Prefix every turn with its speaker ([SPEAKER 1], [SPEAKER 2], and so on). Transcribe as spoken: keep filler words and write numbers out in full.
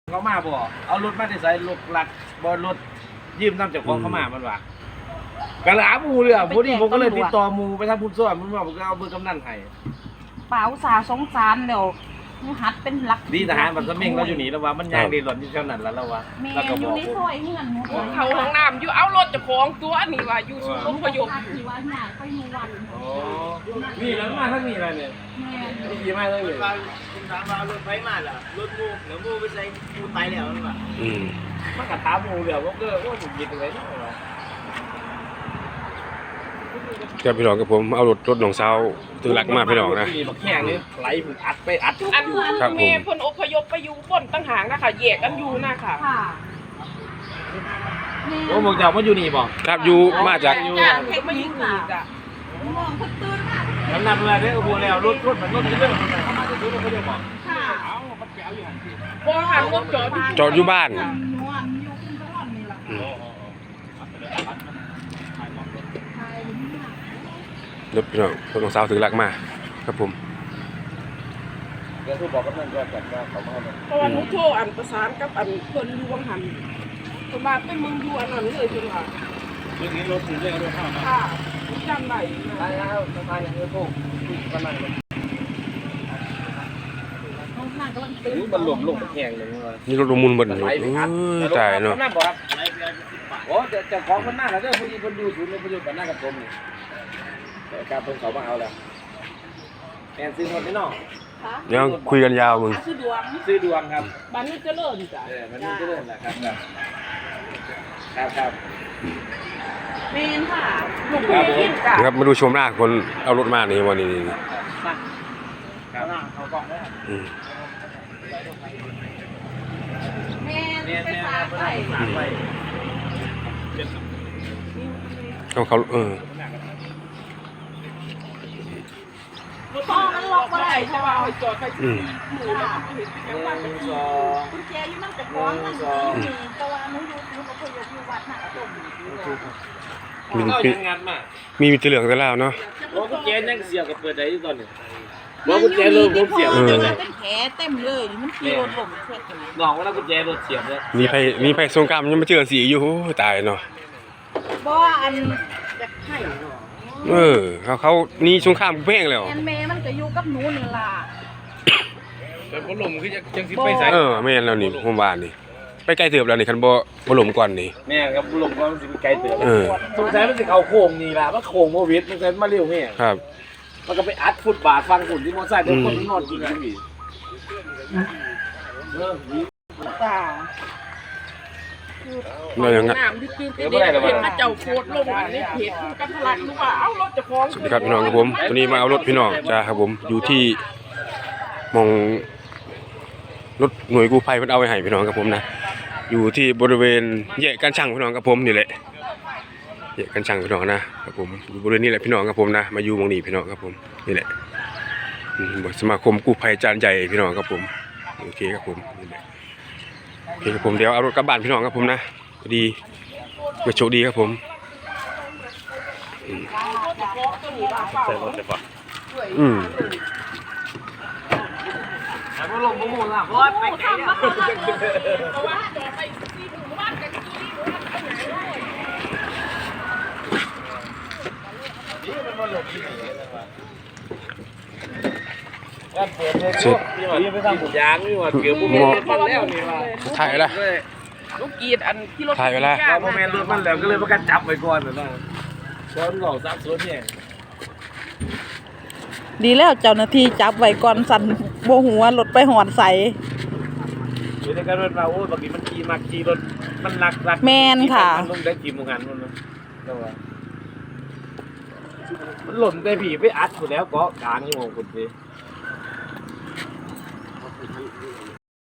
[SPEAKER 1] เขามาบ่เอารถมาได้ใส่รถหลักบ่รถยืมน้ำจากของเขามามันว่ากระหลาหมูเลยอ่ะพอดีผมก็เลยติดต่อหมูไปทางพุ่นซ้อนมันว่าผมก็เอาเบอร์กำนันให้
[SPEAKER 2] เปล่าสาสงสารเดี๋ยวมึงหัดเป็นหลัก
[SPEAKER 1] ดีทหารมันสมิงเราอยู่นี่แล้วว่ามันยางดีหล่อนอยู่เท่านั้นแล้วแล้วว่าแล้วก็บอกผม
[SPEAKER 3] เขาห้องน้ำอยู่เอารถจะของตัวนี่ว่าอยู่ศูนย์อพยพอยู่
[SPEAKER 1] อ๋อนี่แล้วมาทั้งนี้อะไรเนี่ยนี่ดีมากเลยเลย
[SPEAKER 4] คุณถามว่ารถไฟมาล่ะรถมูแล้วมูไปใส่มูตายแล้วนั่นว่ะ
[SPEAKER 1] อืมมันก็ถามหมูเดี๋ยวผมก็ว่าผมยินอะไรเนาะ
[SPEAKER 5] ครับพี่น้องกับผมเอารถรถหนองเซาถึงหลักมาพี่น้องนะ
[SPEAKER 1] บักแข้งนี่ไหลผมอัดไปอัด
[SPEAKER 3] อันเมย์เพิ่นอพยพไปอยู่บนตั้งหางนะคะแยกกันอยู่นะค่ะ
[SPEAKER 1] โอ้บอกเจ้ามาอยู่นี่บ่
[SPEAKER 5] ครับอยู่มาจาก
[SPEAKER 3] อยู่เทคนิคอ่ะ
[SPEAKER 2] มองเขาตื่นมาก
[SPEAKER 1] กำนันเวลาได้อุโมงค์แล้วรถรถมันรถจะเรื่องเขามาจะซื้อรถเขาจะบอกเอามันแก้วอยู่หันที่
[SPEAKER 3] บ่หันรถจอด
[SPEAKER 5] จอดอยู่บ้านรถพี่น้องรถของสาวถึงหลักมาครับผม
[SPEAKER 1] เดี๋ยวทุกบอกกำนันก็จัดว่าเขามาให้
[SPEAKER 3] เพราะว่าหนูโทรอันประสานกับอันเพิ่นอยู่วังหันเพิ่นมาเป็นมึงอยู่อันนั้นเลยจริงค่ะ
[SPEAKER 1] เรื่องนี้รถถึงเรื่องรถเข้ามา
[SPEAKER 3] ค่ะจำได้
[SPEAKER 1] ใช่แล้วสบายอย่างนี้พวกกำนันมันหลบลงแข็งเลย
[SPEAKER 5] นี่รถมุนบนรถตายเนาะ
[SPEAKER 1] โอ้จะจะของมันหน้าแล้วเด้อพอดีคนดูศูนย์เลยพอดีกันหน้ากับผมนี่แต่การเพิ่งเขามาเอาแล้วแอนซื้อหมดไหมน้อง
[SPEAKER 5] ยังคุยกันยาวมึง
[SPEAKER 3] ซื้อดวง
[SPEAKER 1] ซื้อดวงครับ
[SPEAKER 3] บ้านนี้เจริญจ้ะ
[SPEAKER 1] เออบ้านนี้เจริญแหละครับครับครับ
[SPEAKER 3] เมนค่ะลูกพี่จ้ะ
[SPEAKER 5] ครับมาดูชมหน้าคนเอารถมานี่วันนี้
[SPEAKER 1] ครับเขากล้องได้
[SPEAKER 2] แม่ไปฝากไป
[SPEAKER 5] เขาเขาเออ
[SPEAKER 2] พ่อมันล็อกอะไร
[SPEAKER 3] ใช่ป่ะจอดไปที่หมู่บ้านเห็นเป็นบ้านเป็นที่
[SPEAKER 2] คุณแจอยู่นั่งแต่ก้อนมันอยู่นี่แต่ว่าหนูอยู่หนูก็เคยอยู่วัดหน้ากระตุ่ม
[SPEAKER 5] มี
[SPEAKER 1] มีงานมา
[SPEAKER 5] มีมีตะเหลืองตะลาวเนาะ
[SPEAKER 1] ว่ากุญแจยังเสียกับเปิดได้ตอนนี้ว่ากุญแจเริ่มผมเสียบ
[SPEAKER 2] เลยเป็นแผลเต็มเลยมันขี่รถล้มเช็ดเลย
[SPEAKER 1] น้องว่ากุญแจรถเสียบเลย
[SPEAKER 5] มีไผมีไผสงครามยังมาเจอสีอยู่ตายเนาะ
[SPEAKER 2] บ่อันจะให้
[SPEAKER 5] เออเขาเขานี่สงครามเพ่งแล้ว
[SPEAKER 2] แอนแม่มันก็อยู่กับหนูนี่ล่ะ
[SPEAKER 1] แต่บ่ลมคือจังสิไปใส่
[SPEAKER 5] เออแม่นแล้วนี่ผมว่านี่ไปไกลเติบแล้วนี่คันบ่บ่ลมก่อนนี่
[SPEAKER 1] แม่ครับบ่ลมก่อนมันสิไปไกลเติบสงสัยมันสิเข้าโค้งนี่ล่ะมันโค้งโควิดมันก็มาเร็วแม่
[SPEAKER 5] ครับ
[SPEAKER 1] มันก็ไปอัดฟุตบาทฟังฝุ่นที่มอไซค์เดี๋ยวคนนอนกินกันอีกเออ
[SPEAKER 2] จ้า
[SPEAKER 5] เราอย่างงั้น
[SPEAKER 3] น้ำที่ตื่นเต้นเห็นมาเจ้าโคตรลงอันนี้เพจกันทะลักหรือว่าเอารถจะฟ้อง
[SPEAKER 5] สวัสดีครับพี่น้องครับผมตอนนี้มาเอารถพี่น้องจ้าครับผมอยู่ที่มองรถหน่วยกู้ภัยเพิ่นเอาไว้ให้พี่น้องครับผมนะอยู่ที่บริเวณแยกกันช่างพี่น้องครับผมนี่แหละแยกกันช่างพี่น้องนะครับผมอยู่บริเวณนี้แหละพี่น้องครับผมนะมาอยู่ตรงนี้พี่น้องครับผมนี่แหละสมาคมกู้ภัยจานใหญ่พี่น้องครับผมโอเคครับผมนี่แหละโอเคครับผมเดี๋ยวเอารถกลับบ้านพี่น้องครับผมนะดีก็โชคดีครับผม
[SPEAKER 1] ใส่รถใส่ปะ
[SPEAKER 5] อืม
[SPEAKER 1] แต่พอลงบ่หมุนล่ะเพราะไปไกลแล้ว
[SPEAKER 3] เพราะว่าจอดไปที่หมู่บ้านกันที่หมู่บ้านกันไหน
[SPEAKER 1] นี่มันบ่ลงที่ไหนเลยว่ะเปิดเลยนี่ไปทำบุญยางนี่ว่าเกือบบ่มีมันแล้วนี่ว่า
[SPEAKER 5] ถ่ายแล้ว
[SPEAKER 3] ลูกกีดอันที่รถ
[SPEAKER 5] ถ่ายไว้แล้ว
[SPEAKER 1] พอแม่รถมันแล้วก็เลยประกันจับไว้ก่อนนะซ้อนหลอกซับซ้อนเนี่ย
[SPEAKER 2] ดีแล้วเจ้าหน้าที่จับไว้ก่อนสั่นโบหัวรถไปหอดใส่
[SPEAKER 1] เดี๋ยวกันรถเราโอ้บางทีมันขี่มาขี่รถมันหลักหลัก
[SPEAKER 2] แมนค่ะ
[SPEAKER 1] มันลงได้กี่โมงกันมันก็ว่ามันหล่นได้ผีไปอัดหมดแล้วเกาะกลางอยู่ของคุณสิ